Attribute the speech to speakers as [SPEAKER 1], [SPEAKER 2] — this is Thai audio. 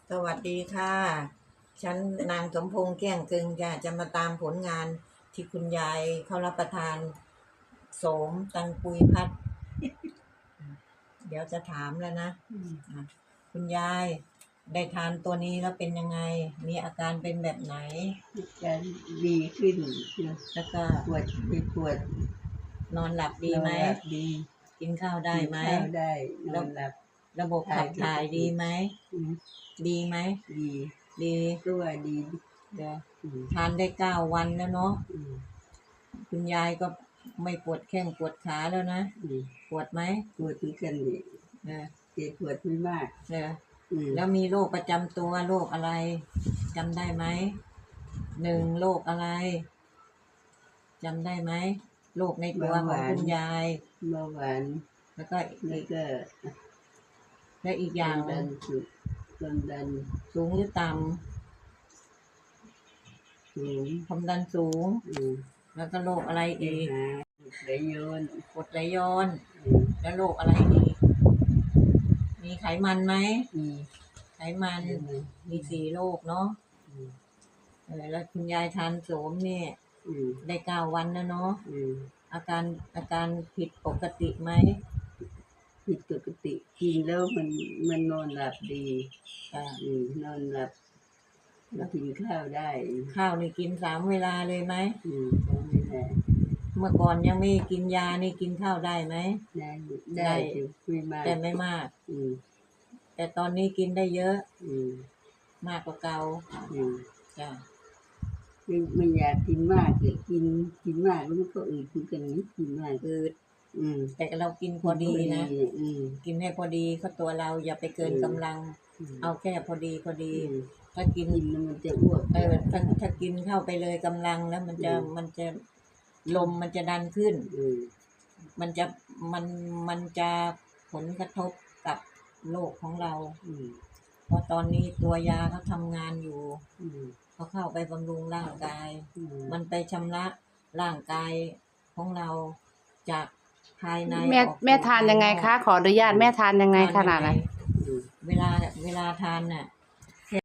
[SPEAKER 1] สวัสดีค่ะ ฉันนางสมพงษ์แก้งกึงจะมาตามผลงานที่คุณยายเขารับประทานโสมตังปุยพัด เดี๋ยวจะถามแล้วนะอ่ะคุณยายได้ทานตัวนี้แล้วเป็นยังไง มีอาการเป็นแบบไหน
[SPEAKER 2] จะดีขึ้น
[SPEAKER 1] แล้วก็
[SPEAKER 2] ปวดไม่ปวด
[SPEAKER 1] นอนหลับดีไหม
[SPEAKER 2] นอนหลับดี
[SPEAKER 1] กินข้าวได้ไหม
[SPEAKER 2] กินข้าวได้นอนหลับ
[SPEAKER 1] ระบบขับถ่ายดีไหม ดีไหม
[SPEAKER 2] ดี
[SPEAKER 1] ดี
[SPEAKER 2] ก็ว่าดี
[SPEAKER 1] เดี๋ยวทานได้9 วันแล้วเนาะ คุณยายก็ไม่ปวดแข้งปวดขาแล้วนะ ปวดไหม
[SPEAKER 2] ปวดเหมือนกันนี่
[SPEAKER 1] เออ
[SPEAKER 2] ปวดไม่มาก
[SPEAKER 1] แล้วมีโรคประจำตัวโรคอะไรจำได้ไหม1โรคอะไรจำได้ไหมโรคในตัวของคุณยาย
[SPEAKER 2] เบาหวาน
[SPEAKER 1] แล้วก็
[SPEAKER 2] และ
[SPEAKER 1] อีกอย่าง
[SPEAKER 2] ความดัน
[SPEAKER 1] สูงหรือต่ำความดันสูง แล้วก็โรคอะไรอีก
[SPEAKER 2] ไหลย้อน
[SPEAKER 1] กรดไหลย้อน แล้วโรคอะไรอีกมีไขมันไหมไขมันมี4โรคเนาะแล้วคุณยายทานโสมเนี่ยได้9 วันแล้วเนาะอาการผิดปกติไหม
[SPEAKER 2] ผิดปกติกินแล้วมันนอนหลับดีนอนหลับแล้วกินข้าวได้
[SPEAKER 1] ข้าวนี่กิน3 เวลาเลยไหม
[SPEAKER 2] ไม่ได้
[SPEAKER 1] เมื่อก่อนยังไม่กินยานี่กินข้าวได้ไหม
[SPEAKER 2] ได้ไม่มาก
[SPEAKER 1] แต่ไม่มากแต่ตอนนี้กินได้เยอะมากกว่าเก่าจ้ะ
[SPEAKER 2] ไม่อยากกินมากแต่กินมากแล้วมันก็อืดคือกันนี้กินมาก
[SPEAKER 1] อืดแต่เรากินพอดีนะกินให้พอดีก็ตัวเราอย่าไปเกินกำลังเอาแค่พอดีถ้ากิน
[SPEAKER 2] มันจะอ้วก
[SPEAKER 1] ถ้ากินเข้าไปเลยกำลังแล้วมันจะลมมันจะดันขึ้นมันจะผลกระทบกับโรคของเราเพราะตอนนี้ตัวยาเขาทำงานอยู่เขาเข้าไปบำรุงร่างกายมันไปชำระร่างกายของเราจากภายใน
[SPEAKER 3] แม่ทานยังไงคะขออนุญาตแม่ทานยังไงขนาดไหน
[SPEAKER 1] เวลาทานน่ะ